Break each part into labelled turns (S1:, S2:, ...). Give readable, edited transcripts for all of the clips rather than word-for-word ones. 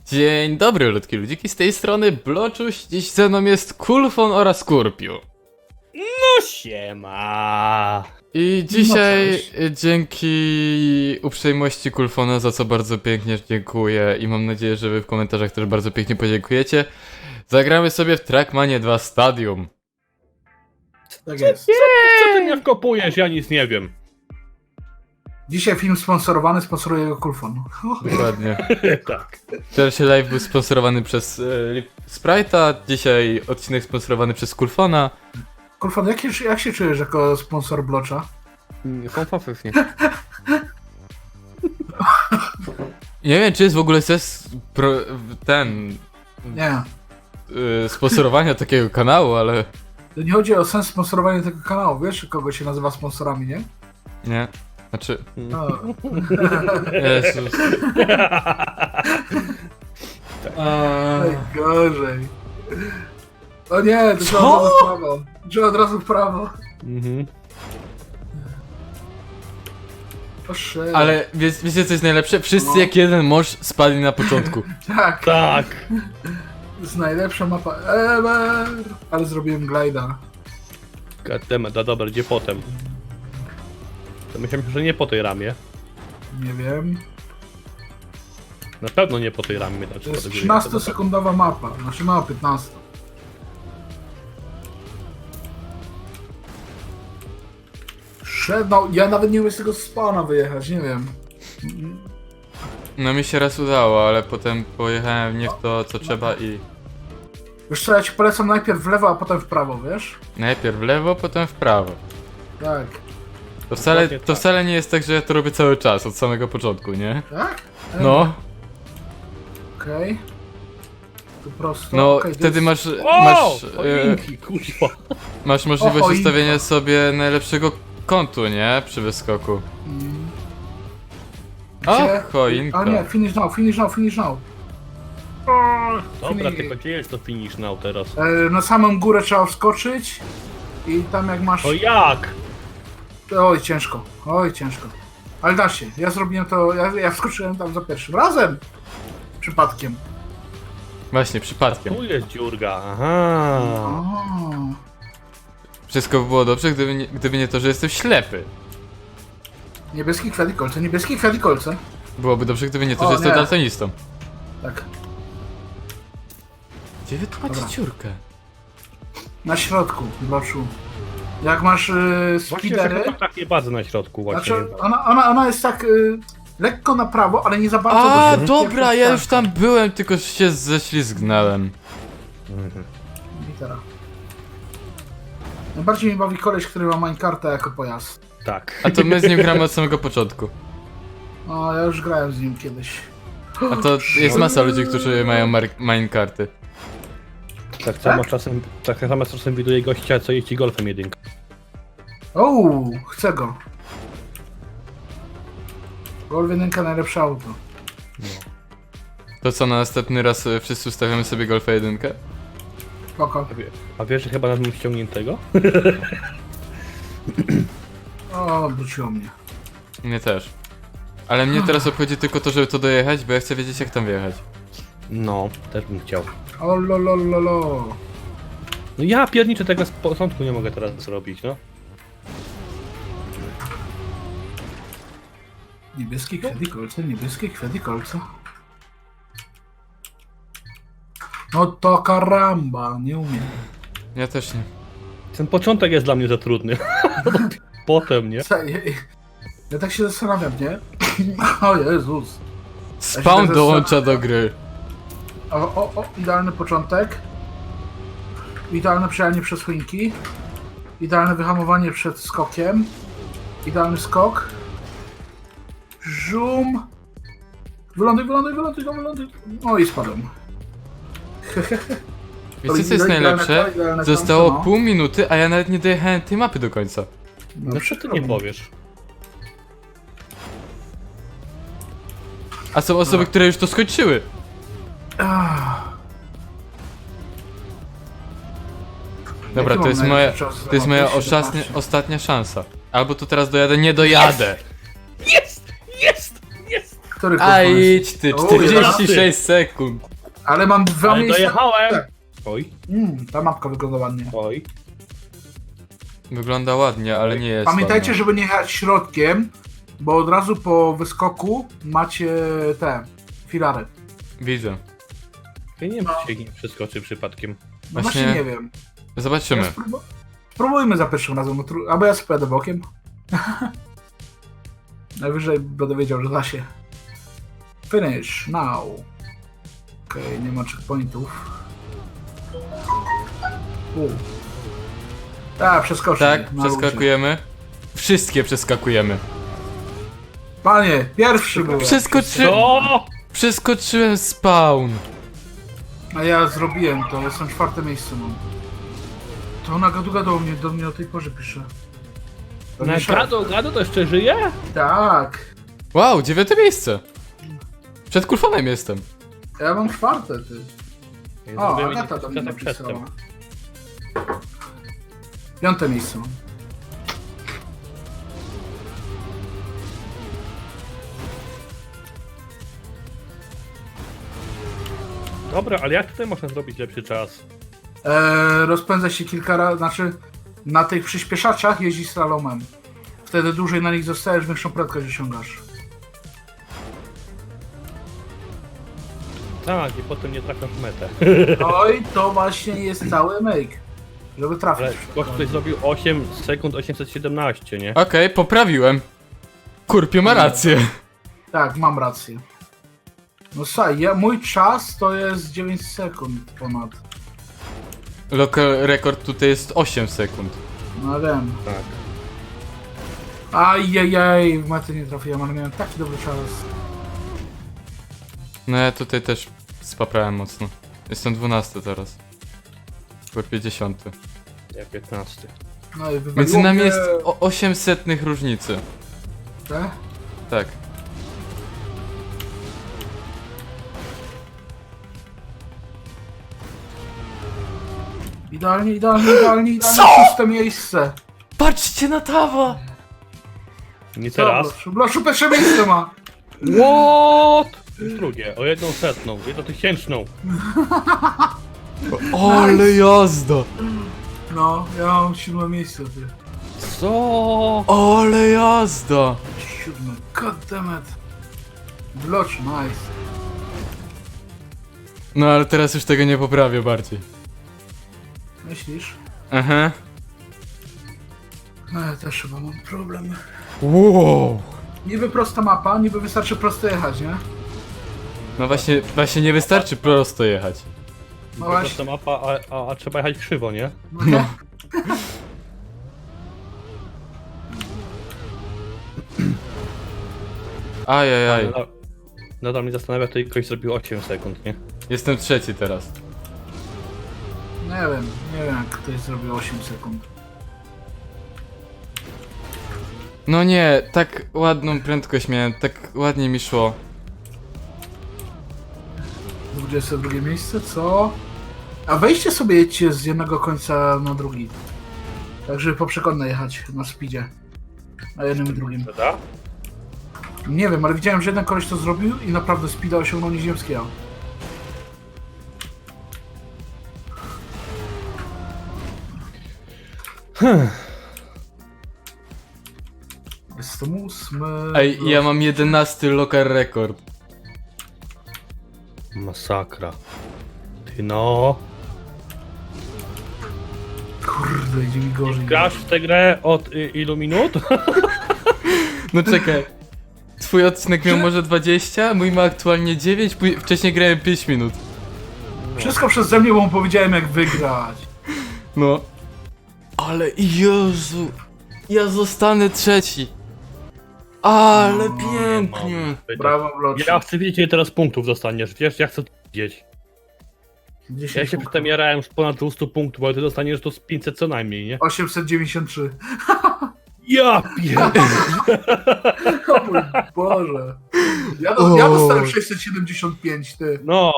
S1: Dzień dobry, ludki ludziki, z tej strony Bloczuś, dziś ze mną jest Kulfon oraz Skurpiu.
S2: No siema.
S1: I dzisiaj
S3: cześć.
S1: dzięki uprzejmości Kulfona, za co bardzo pięknie dziękuję i mam nadzieję, że wy w komentarzach też bardzo pięknie podziękujecie, zagramy sobie w Trackmanie 2 Stadium.
S3: Tak jest.
S2: Co ty mnie wkopujesz? Ja nic nie wiem.
S3: Dzisiaj film sponsorowany, sponsoruje go Kulfon.
S1: Dokładnie.
S2: Tak.
S1: Pierwszy live był sponsorowany przez Sprite'a, dzisiaj odcinek sponsorowany przez Kulfona.
S3: Kulfon, jak się czujesz jako sponsor Blocza?
S2: Fanfafów nie.
S1: Nie wiem, czy jest w ogóle
S3: Nie.
S1: sponsorowania takiego kanału, ale
S3: To nie chodzi o sens sponsorowania tego kanału, wiesz, kogo się nazywa sponsorami, nie?
S1: nie. Znaczy,
S3: No.
S1: Jezus.
S3: Najgorzej. O nie, to trzeba od razu w prawo. Trzeba od razu w prawo.
S2: Mhm.
S3: Proszę.
S1: Ale wiecie co jest najlepsze? Wszyscy jak jeden mąż spadli na początku.
S3: Tak,
S2: Tak.
S3: to jest najlepsza mapa ever. Ale zrobiłem glida.
S2: Goddammit, no dobra, gdzie potem? To myślałem, że nie po tej ramie.
S3: Nie wiem.
S2: Na pewno nie po tej ramie. Znaczy,
S3: To jest
S2: po tej ramie,
S3: 13-sekundowa mapa. Znaczy mała 15. No, ja nawet nie umiem z tego spawna wyjechać, nie wiem.
S1: No mi się raz udało, ale potem pojechałem nie w to co trzeba i
S3: Wiesz co, ja ci polecam najpierw w lewo, a potem w prawo, wiesz?
S1: najpierw w lewo, potem w prawo.
S3: Tak.
S1: To
S2: Dokładnie tak.
S1: wcale nie jest tak, że ja to robię cały czas, od samego początku, nie?
S3: Tak?
S1: No,
S3: Okej. Tu prosto.
S1: no
S3: Okej, to
S1: wtedy
S3: jest...
S1: masz
S2: Choinki, kuźwa.
S1: masz możliwość
S3: choinka.
S1: ustawienia sobie najlepszego kątu, nie? Przy wyskoku.
S3: Mm.
S1: O,
S3: Gdzie?
S1: choinka.
S3: A nie, finish now, finish now, finish now.
S2: Dobra,
S3: Fini-
S2: tylko gdzie jest to finish now teraz?
S3: Na samą górę trzeba wskoczyć. I tam jak masz...
S2: O jak?
S3: Oj, ciężko. Oj, ciężko. Ale da się. Ja zrobiłem to... Ja wskoczyłem tam za pierwszym razem. Przypadkiem.
S1: Właśnie, przypadkiem.
S2: Tu jest dziurga, aha.
S3: O.
S1: Wszystko by było dobrze, gdyby nie to, że jestem ślepy.
S3: Niebieski kwiat i kolce, niebieski kwiat i kolce.
S1: Byłoby dobrze, gdyby nie to,
S3: O,
S1: że jestem
S3: nie.
S1: daltonistą.
S3: Tak.
S1: Gdzie wy tu macie
S3: Dobra.
S1: dziurkę?
S3: Na środku, Bloczu. Jak masz
S2: Właśnie
S3: speedery...
S2: chyba tak nie bardzo na środku właśnie.
S3: Znaczy, ona jest tak lekko na prawo, ale nie za bardzo.
S1: A,
S3: do tyłu.
S1: dobra,
S3: Pierwsza
S1: ja już
S3: ścianka.
S1: tam byłem, tylko się ześlizgnąłem.
S3: Litera. Najbardziej mnie bawi koleś, który ma minecarta jako pojazd.
S2: Tak.
S1: A to my z nim gramy od samego początku.
S3: O, ja już grałem z nim kiedyś.
S1: A to jest masa ludzi, którzy mają minecarty.
S2: Tak samo czasem widuje gościa, co jeździ golfem jedynką.
S3: O, chcę go. Golf 1 najlepsze auto.
S1: To co, na następny raz wszyscy ustawiamy sobie Golfa 1?
S3: Spoko.
S2: A wiesz, że chyba nad nim ściągniętego?
S3: O, wróciło mnie.
S1: Mnie też. Ale mnie teraz obchodzi tylko to, żeby to dojechać, bo ja chcę wiedzieć jak tam wjechać.
S2: No, też bym chciał.
S3: O, lo.
S2: No ja pierniczę tego z początku nie mogę teraz zrobić, no.
S3: Niebieskie kwiat i kolce, niebieskie kwiat i kolce. No to karamba, nie umiem.
S1: Ja też nie.
S2: Ten początek jest dla mnie za trudny. Potem, nie?
S3: Ja tak się zastanawiam, nie? O Jezus.
S1: Spawn
S3: tak
S1: dołącza do gry.
S3: O, idealny początek. Idealne przejechanie przez choinki. Idealne wyhamowanie przed skokiem. Idealny skok. Żum. Wyląduj. O i spadłem.
S1: Wiecie co jest najlepsze? Zostało pół minuty, a ja nawet nie dojechałem tej mapy do końca.
S2: No co ty nie powiesz?
S1: A są osoby, które już to skończyły. Dobra,
S3: Jaki
S1: to jest
S3: mam
S1: moja,
S3: najlepszy czas?
S1: to jest moja
S3: 17.
S1: ostatnia szansa. Albo to teraz dojadę, nie dojadę!
S2: Jest! Jest! Jest!
S3: Który
S1: A
S3: kulfon jest?
S1: idź ty,
S3: O,
S1: 46 sekund.
S3: Ale mam dwa
S2: Ale
S3: miejsca.
S2: dojechałem!
S3: Tak.
S2: Oj,
S3: Ta mapka wygląda ładnie.
S2: oj.
S1: Wygląda ładnie, ale nie jest
S3: Pamiętajcie,
S1: ładna.
S3: żeby nie jechać środkiem, bo od razu po wyskoku macie te filary.
S1: Widzę.
S2: Ja nie wiem, czy się nie przeskoczy przypadkiem.
S3: No
S1: Właśnie-
S3: właśnie nie wiem.
S1: Zobaczymy.
S3: Spróbujmy za pierwszym razem, albo ja sobie pojadę bokiem. Najwyżej będę wiedział, że da się. Finish, now. Okej, nie ma checkpointów. Tak, przeskoczyć.
S1: Tak, przeskakujemy. Wszystkie przeskakujemy.
S3: Panie, pierwszy byłem.
S2: Co?
S1: Przeskoczyłem spawn.
S3: A ja zrobiłem to, jestem czwarte miejsce mam. To ona gadu do mnie o tej porze pisze. To nie szef.
S2: Gado to jeszcze żyje?
S3: Tak.
S1: Wow, 9 miejsce. Przed kulfonem jestem.
S3: Ja mam czwarte, ty.
S2: Ja
S3: O,
S2: zrobiłem
S3: Agata do mnie
S2: tak
S3: napisała.
S2: przedtem.
S3: Piąte miejsce mam.
S2: Dobra, ale jak tutaj można zrobić lepszy czas?
S3: Rozpędza się kilka razy, znaczy na tych przyspieszaczach jeździ slalomem. Wtedy dłużej na nich zostajesz, większą prędkość osiągasz.
S2: Tak, i potem nie trafiasz w metę.
S3: Oj, to właśnie jest cały make. Żeby trafić.
S2: Ale gość tutaj zrobił 8 sekund 817, nie?
S1: Okej, poprawiłem. Kurpiu ma rację.
S3: Tak, mam rację. No słuchaj, mój czas to jest 9 sekund ponad.
S1: Local rekord tutaj jest 8 sekund.
S3: No wiem.
S2: Tak.
S3: Ajajaj, w metę nie trafiłem, ale miałem taki dobry czas.
S1: No ja tutaj też spaprałem mocno. Jestem 12 teraz. Kurpie 10.
S2: Ja 15.
S3: No i wywaliło
S1: Między nami
S3: mnie...
S1: jest 800 różnicy.
S3: Te?
S1: Tak.
S3: Idealnie,
S1: Co?
S3: szóste miejsce.
S1: Patrzcie na Tawa!
S2: Nie
S3: Co,
S2: teraz.
S3: Bloszu pierwsze miejsce ma.
S2: What? Już drugie, o 100, 1000.
S1: Ale jazda!
S3: No, ja mam 7 miejsce, ty.
S2: Co?
S1: Ale jazda!
S3: 7, goddammit. Blocz, nice.
S1: No ale teraz już tego nie poprawię bardziej.
S3: Myślisz?
S1: Aha.
S3: No ja też chyba mam problem.
S1: Wow!
S3: Niby prosta mapa, niby wystarczy prosto jechać, nie?
S1: No właśnie nie wystarczy prosto jechać.
S3: No
S2: To
S3: właśnie.
S2: ta mapa, a trzeba jechać krzywo, nie?
S3: No nie?
S1: Ajajaj.
S2: Nadal mnie zastanawia, to ktoś zrobił 8 sekund, nie?
S1: Jestem trzeci teraz.
S3: Nie wiem jak ktoś zrobił 8 sekund.
S1: No nie, tak ładną prędkość miałem, tak ładnie mi szło.
S3: 22 miejsce, co? A weźcie sobie jedźcie z jednego końca na drugi. Tak, żeby poprzekątnie jechać na speedzie. Na jednym i drugim.
S2: Prawda?
S3: Nie wiem, ale widziałem, że jeden koleś to zrobił i naprawdę speeda osiągnął nieziemskiego. Jestem 8.
S1: Ej, ja mam 11 local rekord.
S2: Masakra. Ty no.
S3: Kurde, idzie mi gorzej.
S2: Grasz w tę grę od ilu minut?
S1: No czekaj. Twój odcinek miał może 20, mój ma aktualnie 9, wcześniej grałem 5 minut.
S3: Wszystko przeze mnie, bo mu powiedziałem jak wygrać.
S1: No. Ale Jezu, ja zostanę trzeci. Ale
S3: No,
S1: pięknie.
S3: Brawo, Blocz.
S2: Ja chcę wiedzieć, ile teraz punktów dostaniesz. Wiesz, ja chcę to wiedzieć.
S3: 10
S2: Ja się
S3: punktów.
S2: przedtem jarałem już ponad 200 punktów, ale ty dostaniesz to z 500 co najmniej, nie?
S3: 893.
S2: Ja pierdolę.
S3: O mój Boże. Ja dostałem 675, ty.
S2: No.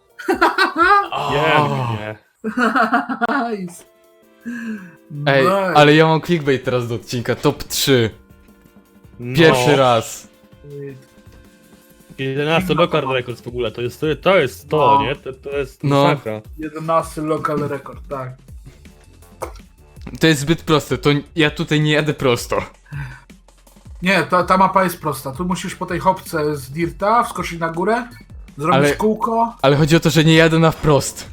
S2: Pięknie.
S3: Nice.
S1: Ej,
S3: Nice.
S1: ale ja mam clickbait teraz do odcinka, top 3.
S2: No.
S1: Pierwszy raz.
S2: 11 local records w ogóle, to jest to,
S3: No.
S2: nie? To jest
S1: No.
S2: masakra.
S3: 11 local record, tak.
S1: To jest zbyt proste, to ja tutaj nie jadę prosto.
S3: Nie, ta mapa jest prosta. Tu musisz po tej hopce z dirta wskoczyć na górę, zrobić
S1: Ale-
S3: kółko.
S1: Ale chodzi o to, że nie jadę na wprost.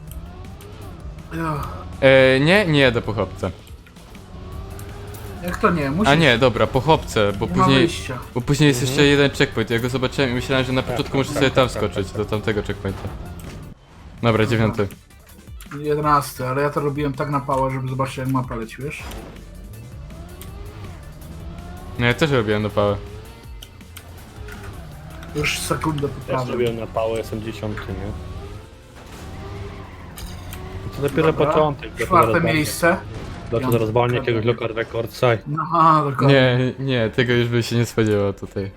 S3: Ugh,
S1: Nie jadę po chopce.
S3: jak to nie? Musisz.
S1: A nie, dobra, po chopce, bo
S3: Nie ma
S1: później...
S3: wyjścia.
S1: Bo później jest jeszcze jeden checkpoint, ja go zobaczyłem i myślałem, że na początku muszę
S2: tak,
S1: sobie
S2: tak,
S1: tam
S2: tak,
S1: skoczyć,
S2: tak,
S1: do tamtego checkpointa. Dobra, 9.
S3: 11, ale ja to robiłem tak na pałę, żeby zobaczyć jak mapa leci, wiesz?
S1: No ja też robiłem do pałę.
S3: Już sekundę
S2: Ja
S3: poprawię.
S2: zrobiłem na pałę, jestem 10, nie? To dopiero
S3: Dobra.
S2: początek.
S3: Czwarte miejsce.
S2: Dlaczego zaraz walnie jakiegoś local recordsa?
S3: No, aha, dokładnie.
S1: Nie, tego już by się nie spodziewał tutaj.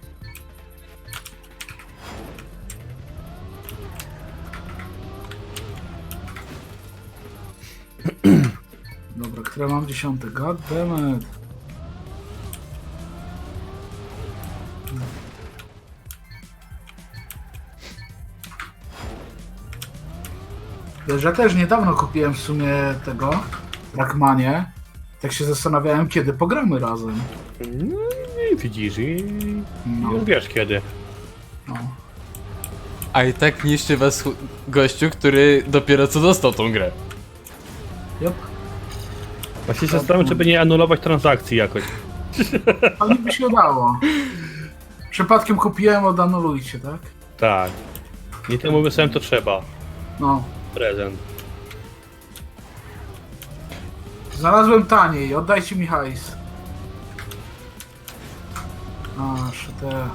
S3: Dobra, które mam 10? God damn it. Wiesz, ja też niedawno kupiłem w sumie tego Trackmanie. Tak się zastanawiałem, kiedy pogramy razem.
S2: No i widzisz, i
S3: No,
S2: już wiesz kiedy.
S3: no.
S1: A i tak niszczy was gościu, który dopiero co dostał tą grę.
S3: Yep.
S2: Właśnie się zastanawiam, czy by nie anulować transakcji jakoś.
S3: Ale by się udało. Przypadkiem kupiłem, odanulujcie, tak?
S2: Tak. Nie temu wysłałem, to trzeba.
S3: No.
S2: Prezent.
S3: Znalazłem taniej, oddajcie mi hajs. A, te.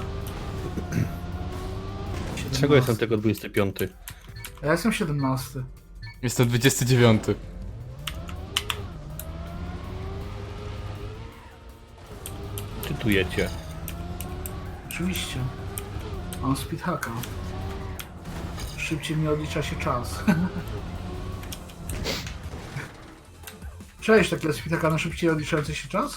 S2: Czego jestem tego 25?
S3: Ja jestem 17.
S1: Jestem 29.
S2: Czytujecie.
S3: Oczywiście. Mam speedhacka. Szybciej mi odlicza się czas. Cześć, takie speedhacka na szybciej odliczający się czas?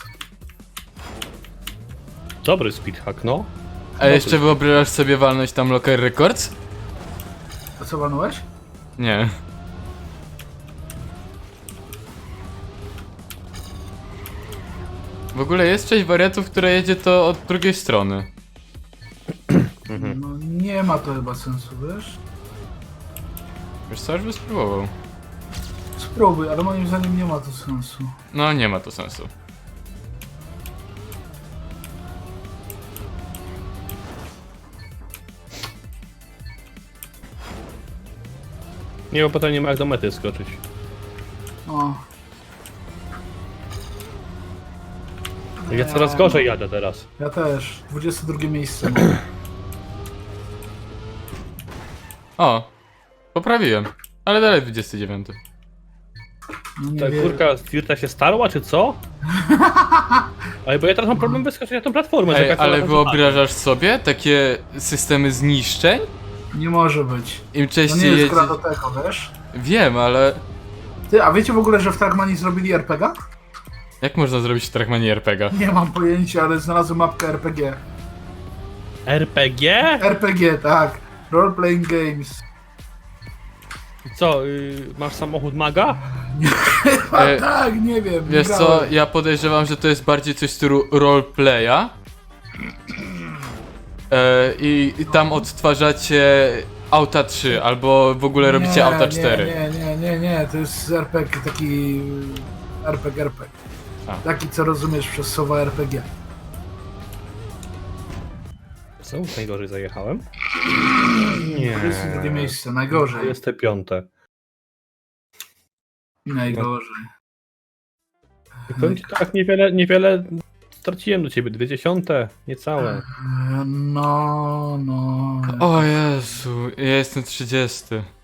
S2: Dobry speedhack, no.
S1: A jeszcze wyobrażasz sobie walnąć tam Local Records?
S3: A co walnąłeś?
S1: Nie. W ogóle jest część wariantów, która jedzie to od drugiej strony.
S3: No nie ma to chyba sensu, wiesz?
S1: Wiesz co, aż by spróbował.
S3: Spróbuj, ale moim zdaniem nie ma to sensu.
S1: No nie ma to sensu.
S2: Nie, bo potem nie ma jak do mety skoczyć.
S3: O.
S2: Ja coraz gorzej jadę teraz.
S3: Ja też. 22 miejsce.
S1: O! Poprawiłem. Ale dalej 29.
S3: No nie
S2: Ta
S3: wierzę.
S2: kurka z Dirta się starła, czy co? Ale bo ja teraz mam problem wyskoczyć na tą platformę.
S1: Ej,
S2: czekać,
S1: ale
S2: na
S1: wyobrażasz sobie takie systemy zniszczeń?
S3: Nie może być.
S1: Im
S3: To nie
S1: częściej
S3: jest
S1: jedzie...
S3: gra do tego, wiesz?
S1: Wiem, ale...
S3: Ty, a wiecie w ogóle, że w Trackmanii zrobili RPG?
S1: Jak można zrobić w Trackmanie RPG?
S3: Nie mam pojęcia, ale znalazłem mapkę RPG.
S2: RPG?
S3: RPG, tak. Role Playing Games.
S2: Co, masz samochód maga?
S3: A
S1: E,
S3: tak, nie wiem. nie
S1: Wiesz co,
S3: grałem.
S1: ja podejrzewam, że to jest bardziej coś w stylu roleplaya. I tam odtwarzacie auta 3, albo w ogóle robicie auta 4.
S3: Nie, to jest RPG, taki RPG.
S1: A.
S3: Taki, co rozumiesz przez słowa RPG.
S2: Co? Najgorzej zajechałem? Nie.
S3: 22 miejsce, najgorzej.
S2: 25.
S3: Najgorzej.
S2: Powiem ci tak, niewiele straciłem do ciebie. 20, niecałe.
S3: No.
S1: O Jezu, ja jestem 30.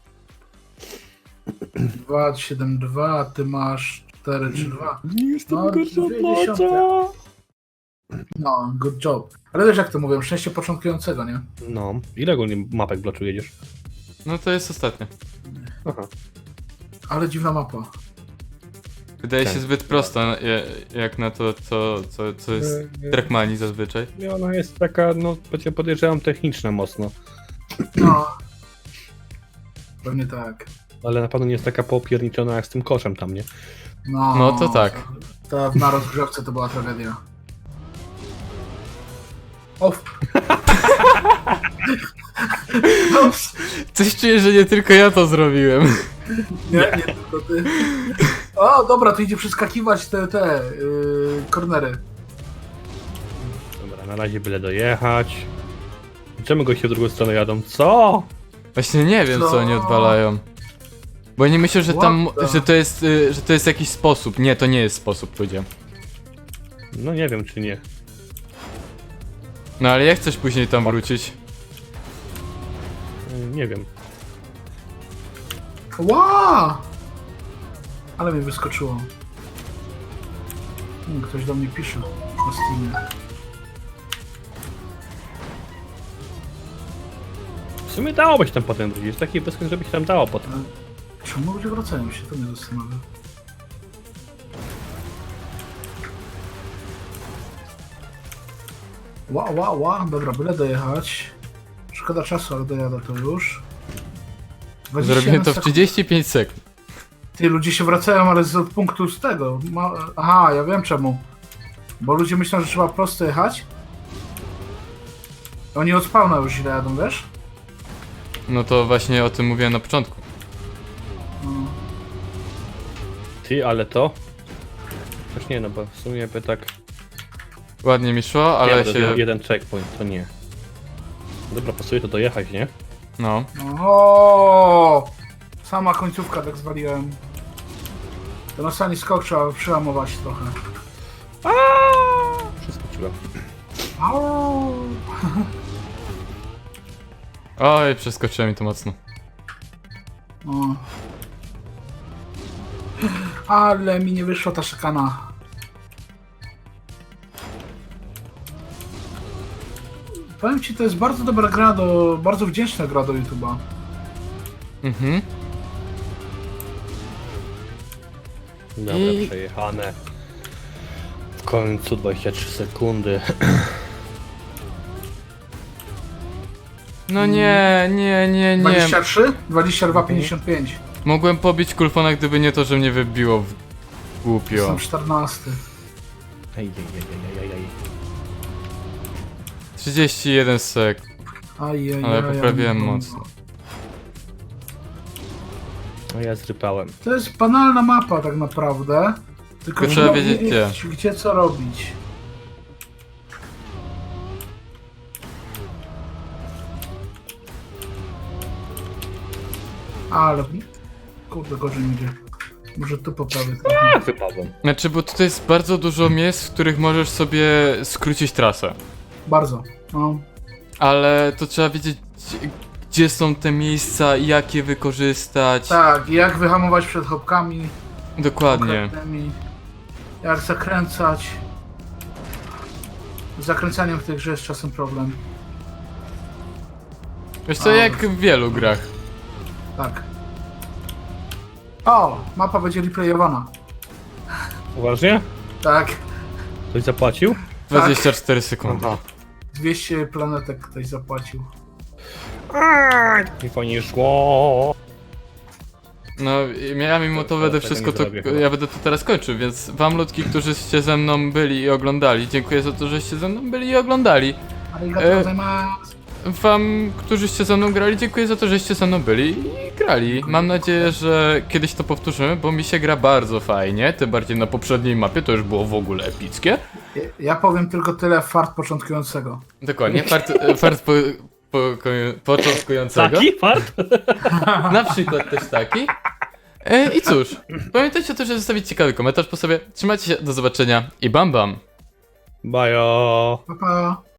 S3: 2,72, a ty masz 4,32.
S2: Nie jestem
S3: No,
S2: gorszy od
S3: 20.
S2: Maca.
S3: No, good job. Ale też jak to mówią, szczęście początkującego, nie?
S2: No. Ile ogólnie mapek bloczu jedziesz?
S1: No to jest ostatnie.
S2: Aha.
S3: Ale dziwna mapa.
S1: Wydaje się
S2: Tak.
S1: zbyt prosta, jak na to, co jest w Trackmanii zazwyczaj.
S2: I ona jest taka, no podejrzewam, techniczna mocno.
S3: No. Pewnie tak.
S2: Ale na pewno nie jest taka popierniczona jak z tym koszem tam, nie?
S1: No to tak.
S3: To na rozgrzewce to była tragedia. Off. Ops.
S1: Coś czuję, że nie tylko ja to zrobiłem.
S3: Nie tylko ty. O, dobra, to idzie przeskakiwać te kornery.
S2: Dobra, na razie byle dojechać. Czemu goście w drugą stronę jadą? Co?
S1: Właśnie nie wiem, co oni odwalają. Bo nie myślę, że tam,
S3: What the-
S1: że to jest jakiś sposób. Nie, to nie jest sposób, ludzie.
S2: No nie wiem, czy nie.
S1: No ale jak chcesz później tam wrócić?
S2: Nie wiem.
S3: Ła! Ale mi wyskoczyło. Ktoś do mnie pisze na Steamie.
S2: W sumie dałoby się tam potem wrócić. Jest taki wyskok, żeby się tam dało potem.
S3: Czemu ludzie wracają się? To mnie zastanawia. Ła, dobra, byle dojechać. Szkoda czasu, ale dojadę to już. 21
S1: Zrobiłem to w
S3: sekund.
S1: 35 sekund.
S3: Ty, ludzie się wracają, ale z punktu z tego. Aha, ja wiem czemu. Bo ludzie myślą, że trzeba prosto jechać. Oni od spawna już źle jadą, wiesz?
S1: No to właśnie o tym mówiłem na początku.
S3: No.
S2: Ty, ale to... Też nie, no bo w sumie by tak...
S1: Ładnie mi szło, ale
S2: nie,
S1: się...
S2: to jeden checkpoint, to nie. Dobra, pasuje to dojechać, nie?
S1: No.
S3: O! Sama końcówka tak zwaliłem. Ten ostatni skok trzeba przełamować trochę.
S2: Przeskoczyłem.
S3: Au!
S1: Oj, przeskoczyłem mi to mocno.
S3: O. Ale mi nie wyszła ta szykana. Powiem ci, to jest bardzo dobra gra bardzo wdzięczna gra do YouTube'a.
S1: Mhm.
S2: Dobra,
S1: I-
S2: przejechane. W końcu 23 sekundy.
S1: No nie.
S3: 23? 22,55.
S1: Mogłem pobić Kulfona, gdyby nie to, że mnie wybiło w głupio.
S3: Jestem 14.
S2: Ej.
S1: 31 sek,
S3: Ajajaj.
S1: ale poprawiłem mocno.
S2: No ja zrypałem.
S3: To jest banalna mapa tak naprawdę. Tylko
S1: Trzeba
S3: że
S1: wiedzieć
S3: gdzie co robić. Ale... Kurde, gorzej mi idzie. Może tu poprawię trochę.
S2: Tak, wypadłem.
S1: Znaczy, bo tutaj jest bardzo dużo miejsc, w których możesz sobie skrócić trasę.
S3: Bardzo. No.
S1: Ale to trzeba wiedzieć, gdzie są te miejsca, jak je wykorzystać.
S3: Tak, jak wyhamować przed chopkami.
S1: Dokładnie.
S3: konkretnymi, jak zakręcać. Z zakręcaniem w tej grze jest czasem problem.
S1: Wiesz co, jak w wielu grach.
S3: Tak. O! Mapa będzie replayowana.
S2: Uważnie?
S3: Tak.
S2: Ktoś zapłacił?
S1: 24 sekundy.
S3: 200 planetek ktoś zapłacił.
S2: Nie fajnie szło.
S1: No, ja mimo to będę
S2: tego
S1: wszystko
S2: nie
S1: to.
S2: zrobię chyba.
S1: Ja będę to teraz kończył, więc wam ludki, którzyście ze mną byli i oglądali, dziękuję za to, żeście ze mną byli i oglądali.
S3: Arigato gozaimasu.
S1: Wam, którzyście ze mną grali, dziękuję za to, żeście ze mną byli i grali. Mam nadzieję, że kiedyś to powtórzymy, bo mi się gra bardzo fajnie, tym bardziej na poprzedniej mapie, to już było w ogóle epickie.
S3: Ja powiem tylko tyle, fart początkującego.
S1: Dokładnie, fart początkującego.
S2: Taki fart?
S1: Na przykład też taki. I cóż, pamiętajcie też, że zostawić ciekawy komentarz po sobie. Trzymajcie się, do zobaczenia i bam bam.
S2: Bajo.
S3: Pa, pa.